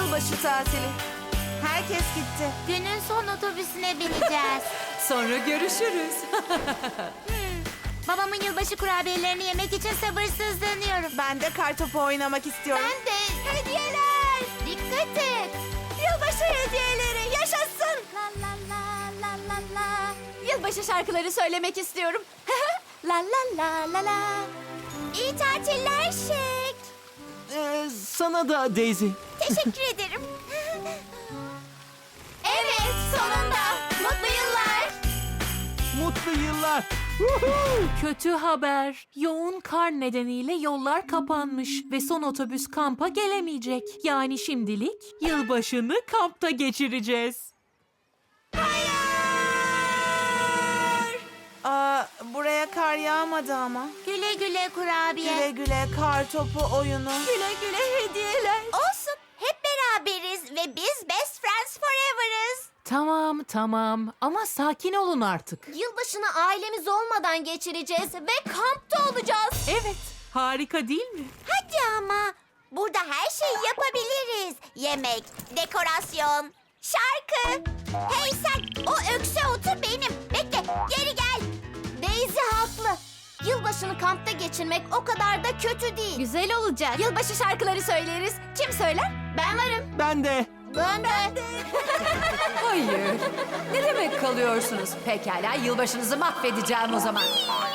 yılbaşı tatili. Herkes gitti. Günün son otobüsüne bineceğiz. Sonra görüşürüz. Babamın yılbaşı kurabiyelerini yemek için sabırsızlanıyorum. Ben de kartopu oynamak istiyorum. Ben de. Hediyeler. Dikkat et. Yılbaşı hediyeleri yaşasın. La la la la la la. Yılbaşı şarkıları söylemek istiyorum. La la la la la. İyi tatiller Şek. Sana da Daisy. Teşekkür ederim. Evet, sonunda. Mutlu yıllar. Mutlu yıllar. Kötü haber. Yoğun kar nedeniyle yollar kapanmış ve son otobüs kampa gelemeyecek. Yani şimdilik yılbaşını kampta geçireceğiz. Buraya kar yağmadı ama. Güle güle kurabiye. Güle güle kartopu oyunu. Güle güle hediyeler. Olsun. Hep beraberiz ve biz best friends forever'ız. Tamam ama sakin olun artık. Yılbaşını ailemiz olmadan geçireceğiz ve kampta olacağız. Evet, harika değil mi? Hadi ama. Burada her şeyi yapabiliriz. Yemek, dekorasyon, şarkı. Hey sen, o ökse otu benim. Bekle, geri gel. Daisy haklı. Yılbaşını kampta geçirmek o kadar da kötü değil. Güzel olacak. Yılbaşı şarkıları söyleriz. Kim söyler? Ben varım. Ben de. Ben de. Hayır. Ne demek kalıyorsunuz? Pekala, yılbaşınızı mahvedeceğim o zaman.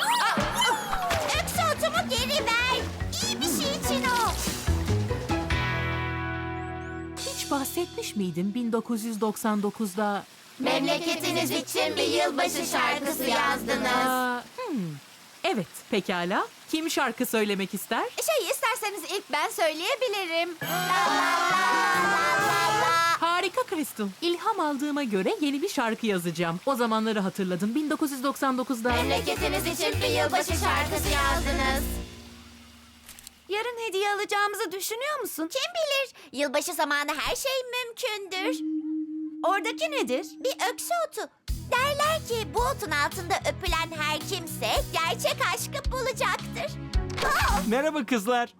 Ökse otumu geri ver. İyi bir şey için o. Hiç bahsetmiş miydin 1999'da? Memleketiniz için bir yılbaşı şarkısı yazdınız. Evet, pekala. Kim şarkı söylemek ister? İsterseniz ilk ben söyleyebilirim. Harika Crystal. İlham aldığıma göre yeni bir şarkı yazacağım. O zamanları hatırladım. 1999'da. Memleketiniz için bir yılbaşı şarkısı yazdınız. Yarın hediye alacağımızı düşünüyor musun? Kim bilir? Yılbaşı zamanı her şey mümkündür. Oradaki nedir? Bir ökse otu. Derler ki bu otun altında öpülen her kimse gerçek aşkı bulacaktır. Merhaba kızlar.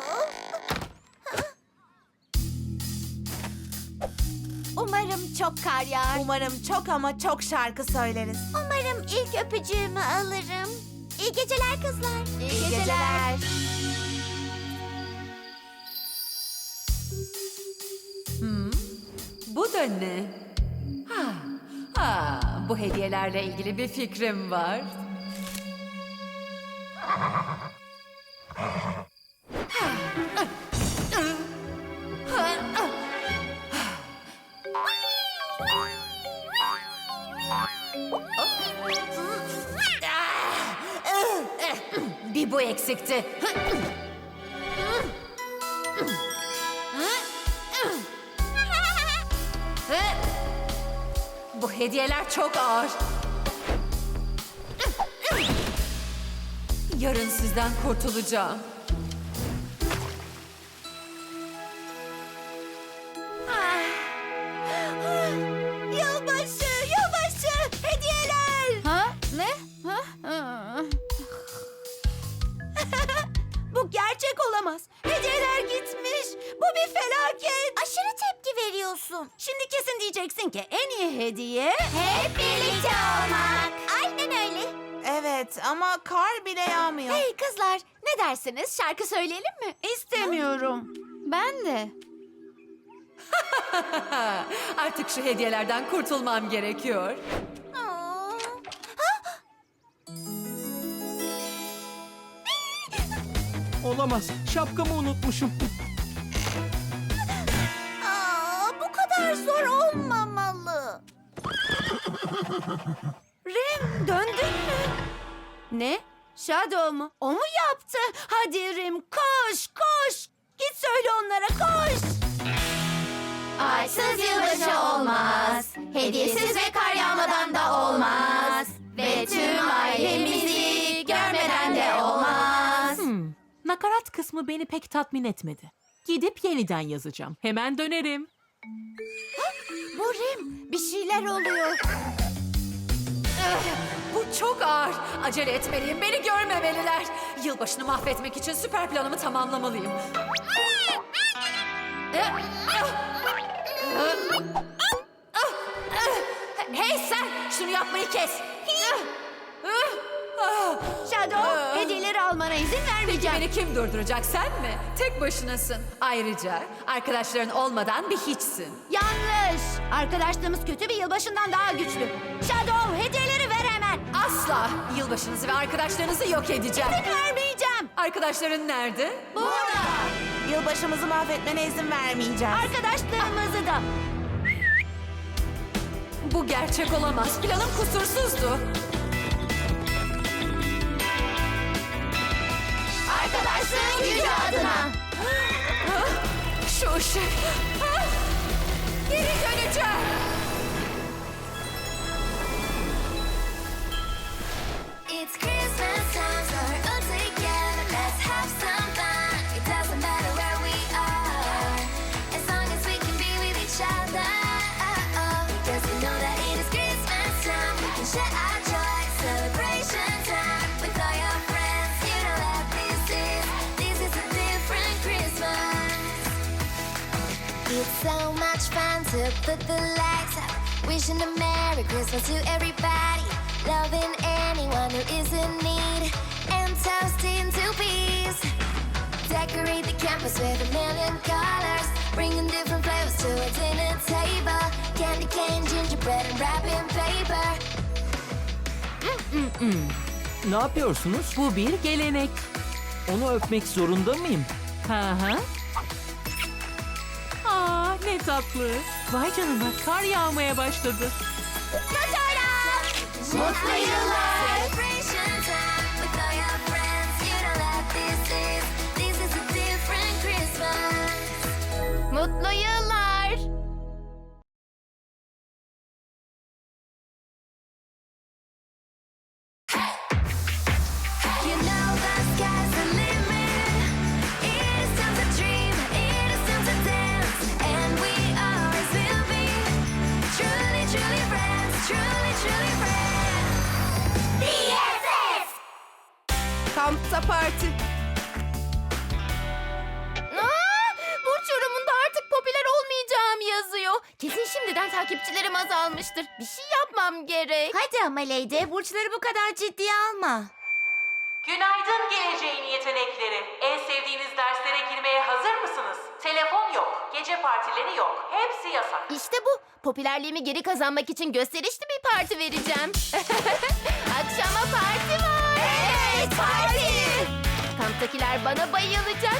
Umarım çok kar yağar. Umarım çok ama çok şarkı söyleriz. Umarım ilk öpücüğümü alırım. İyi geceler kızlar. İyi geceler. Bu da ne? Bu hediyelerle ilgili bir fikrim var. Bir bu eksikti. Bu hediyeler çok ağır. Yarın sizden kurtulacağım. Yılbaşı, yılbaşı, hediyeler. Ha? Ne? Bu gerçek olamaz. Hediyeler gitmiş. Bu bir felaket. Aşırı tepki veriyorsun. Şimdi kesin diyeceksin ki en iyi hediye... Hep birlikte olmak. Aynen öyle. Evet ama kar bile yağmıyor. Hey kızlar, ne dersiniz? Şarkı söyleyelim mi? İstemiyorum. Ben de. Artık şu hediyelerden kurtulmam gerekiyor. Olamaz. Şapkamı unutmuşum. Bu kadar zor olmamalı. Rem döndün mü? Ne? Shadow mu? O mu yaptı? Hadi Rem koş koş. Git söyle onlara koş. Aysız yılbaşı olmaz. Hediyesiz ve kar yağmadan da olmaz. Ve tüm ailemizi görmeden de olmaz. Nakarat kısmı beni pek tatmin etmedi. Gidip yeniden yazacağım. Hemen dönerim. Bu Rem, bir şeyler oluyor. Bu çok ağır. Acele etmeliyim. Beni görmemeliler. Yılbaşını mahvetmek için süper planımı tamamlamalıyım. Hey sen! Şunu yapmayı kes! Shadow, hediyeleri almana izin vermeyeceğim. Beni kim durduracak, sen mi? Tek başınasın. Ayrıca arkadaşların olmadan bir hiçsin. Yanlış! Arkadaşlığımız kötü bir yılbaşından daha güçlü. Shadow, hediyeleri ver hemen. Asla yılbaşınızı ve arkadaşlarınızı yok edeceğim. İzin vermeyeceğim. Arkadaşların nerede? Burada! Yılbaşımızı mahvetmene izin vermeyeceğim. Arkadaşlığımızı da. Bu gerçek olamaz. Planım kusursuzdu. Arkadaşlığın gücü adına. Şu ışık. Geri döneceğim. It's Christmas time, so we're all together. Let's have some fun. It doesn't matter where we are, as long as we can be with each other. Because we know that it is Christmas time. We can share our joy, celebration time with all your friends. You know that this is a different Christmas. It's so much fun to put the lights up, wishing a Merry Christmas to everybody, loving anyone who is in need, and toasting to peace. Decorate the campus with a million colors, bringing different flavors to a dinner table. Candy cane, gingerbread, and wrapping paper. Ne yapıyorsunuz? Bu bir gelenek. Onu öpmek zorunda mıyım? Hı hı. Aa, ne tatlı. Vay canına, kar yağmaya başladı. Mutlu yıllar. Celebration time with all your friends. You know that this is a different Christmas. Mutlu yıllar. You know the sky's the limit. It is time to dream. It is time to dance. And we always will be truly, truly friends. Truly, truly friends. BFF. Kampta parti. Burç yorumunda artık popüler olmayacağım yazıyor. Kesin şimdiden takipçilerim azalmıştır. Bir şey yapmam gerek. Hadi ama Leydi, burçları bu kadar ciddiye alma. Günaydın geleceğin yetenekleri. En sevdiğiniz derslere girmeye hazır mısınız? Telefon yok, gece partileri yok. Hepsi yasak. İşte bu. Popülerliğimi geri kazanmak için gösterişli bir parti vereceğim. Akşama parti var. Evet, parti. Kamptakiler bana bayılacak.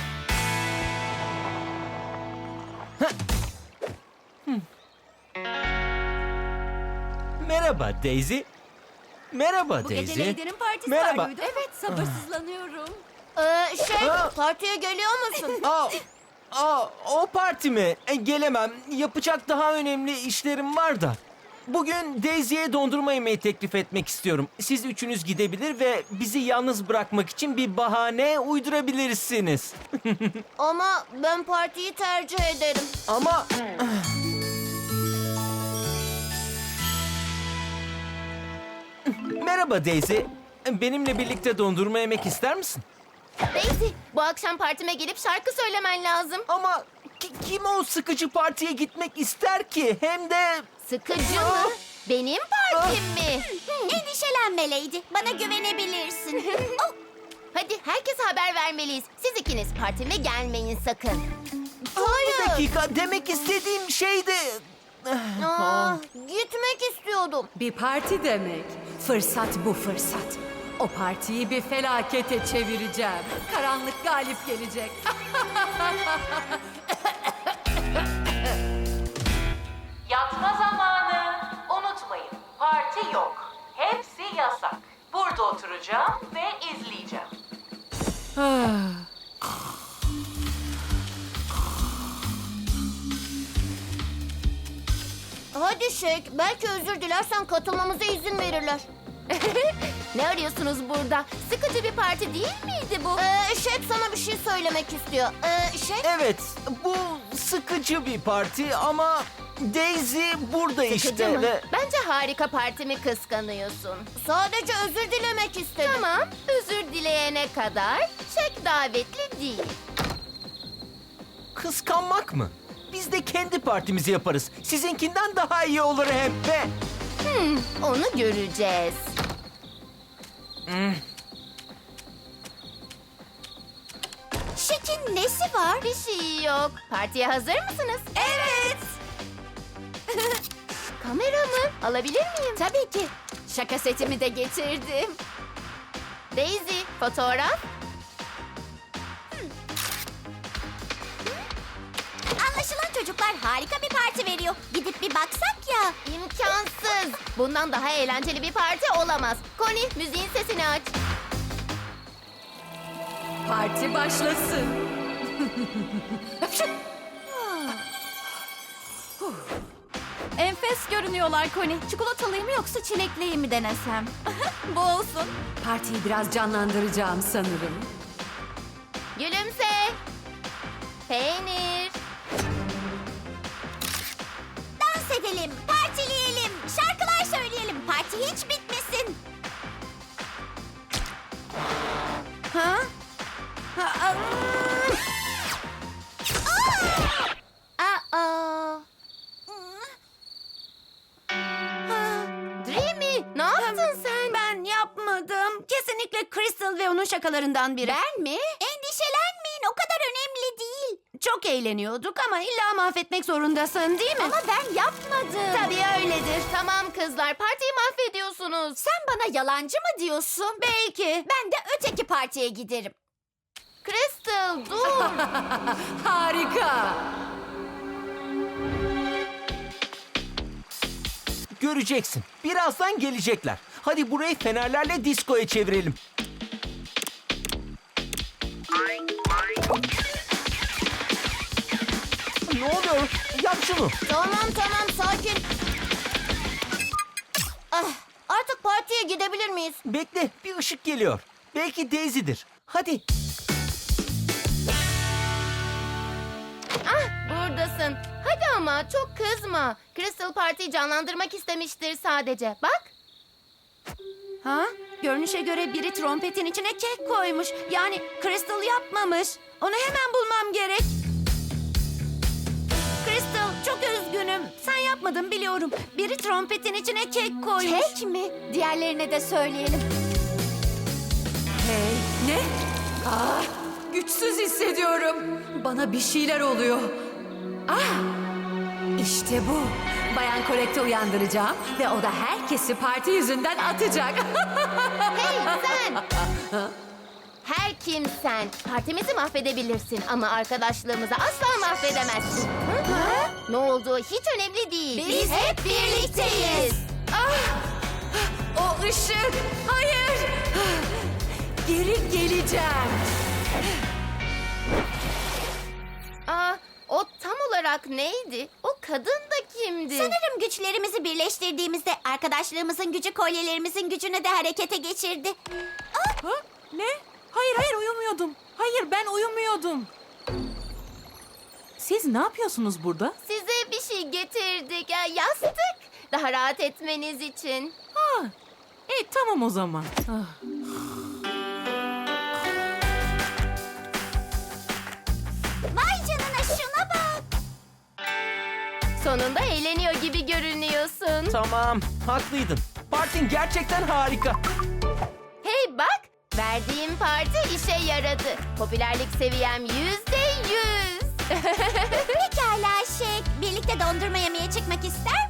Merhaba Daisy. Merhaba Bu Daisy. gece Lady'nin partisi Merhaba. var mıydı? Evet, sabırsızlanıyorum. Partiye geliyor musun? O parti mi? Gelemem. Yapacak daha önemli işlerim var da. Bugün Daisy'ye dondurma yemeği teklif etmek istiyorum. Siz üçünüz gidebilir ve bizi yalnız bırakmak için bir bahane uydurabilirsiniz. Ama ben partiyi tercih ederim. Ama... Merhaba Daisy. Benimle birlikte dondurma yemek ister misin? Daisy, bu akşam partime gelip şarkı söylemen lazım. Ama kim o sıkıcı partiye gitmek ister ki? Hem de... Sıkıcı mı? Benim partim mi? Endişelenme Leydi, bana güvenebilirsin. Hadi herkese haber vermeliyiz. Siz ikiniz partime gelmeyin sakın. Bir dakika, demek istediğim şeydi... Gitmek istiyordum. Bir parti demek. Fırsat bu fırsat. O partiyi bir felakete çevireceğim. Karanlık galip gelecek. Yatma zamanı. Unutmayın, parti yok. Hepsi yasak. Burada oturacağım ve izleyeceğim. Hadi Şek, belki özür dilersen katılmamıza izin verirler. Ne arıyorsunuz burada? Sıkıcı bir parti değil miydi bu? Şek sana bir şey söylemek istiyor. Şek? Evet, bu sıkıcı bir parti ama Daisy burada Sıkıcı işte mı? ve... Bence harika partimi kıskanıyorsun. Sadece özür dilemek istedim. Tamam, özür dileyene kadar Şek davetli değil. Kıskanmak mı? Biz de kendi partimizi yaparız. Sizinkinden daha iyi olur hem de. Onu göreceğiz. Şekin nesi var? Bir şey yok. Partiye hazır mısınız? Evet. Kamera mı? Alabilir miyim? Tabii ki. Şaka setimi de getirdim. Daisy, fotoğraf. Anlaşılan çocuklar harika bir parti veriyor. Gidip bir baksak ya. İmkansız. Bundan daha eğlenceli bir parti olamaz. Connie, müziğin sesini aç. Parti başlasın. Enfes görünüyorlar Connie. Çikolatalıyı mı yoksa çilekliyi mi denesem? Bu olsun. Partiyi biraz canlandıracağım sanırım. Gülümse. Peynir. Dans edelim, partileyelim, şarkılar söyleyelim. Parti hiç bitmesin. Ha? Aa. Dreamy, ne yaptın sen? Ben yapmadım. Kesinlikle Crystal ve onun şakalarından biri. Ben mi? Endişelenmeyin, o kadar önemli değil. Çok eğleniyorduk ama illa mahvetmek zorundasın değil mi? Ama ben yapmadım. Tabii öyledir. Tamam kızlar, partiyi mahvediyorsunuz. Sen bana yalancı mı diyorsun? Belki. Ben de öteki partiye giderim. Crystal, dur. Harika. Göreceksin. Birazdan gelecekler. Hadi burayı fenerlerle diskoya çevirelim. Ne oluyor? Yap şunu. Tamam, sakin. Artık partiye gidebilir miyiz? Bekle, bir ışık geliyor. Belki Daisy'dir. Hadi. Buradasın. Hadi ama çok kızma. Crystal partiyi canlandırmak istemiştir sadece. Bak. Ha? Görünüşe göre biri trompetin içine kek koymuş. Yani Crystal yapmamış. Onu hemen bulmam gerek. Crystal, çok üzgünüm. Sen yapmadın biliyorum. Biri trompetin içine kek koymuş. Kek mi? Diğerlerine de söyleyelim. Hey, ne? Ah, güçsüz hissediyorum. Bana bir şeyler oluyor. İşte bu. Bayan Collect'i uyandıracağım ve o da herkesi parti yüzünden atacak. Hey sen. Her kimsen. Partimizi mahvedebilirsin ama arkadaşlığımızı asla mahvedemezsin. Hı? Ne olduğu hiç önemli değil. Biz hep birlikteyiz. O ışık. Hayır. Geri geleceğim. O tam olarak neydi? O kadın da kimdi? Sanırım güçlerimizi birleştirdiğimizde arkadaşlığımızın gücü kolyelerimizin gücünü de harekete geçirdi. Ha? Ne? Hayır uyumuyordum. Hayır ben uyumuyordum. Siz ne yapıyorsunuz burada? Size bir şey getirdik. Yastık. Daha rahat etmeniz için. Ha. Tamam o zaman. Vay canına şuna bak. Sonunda eğleniyor gibi görünüyorsun. Tamam, haklıydın. Partin gerçekten harika. Hey bak. Verdiğim parti işe yaradı. Popülerlik seviyem %100. Pekala Şek. Birlikte dondurma yemeye çıkmak ister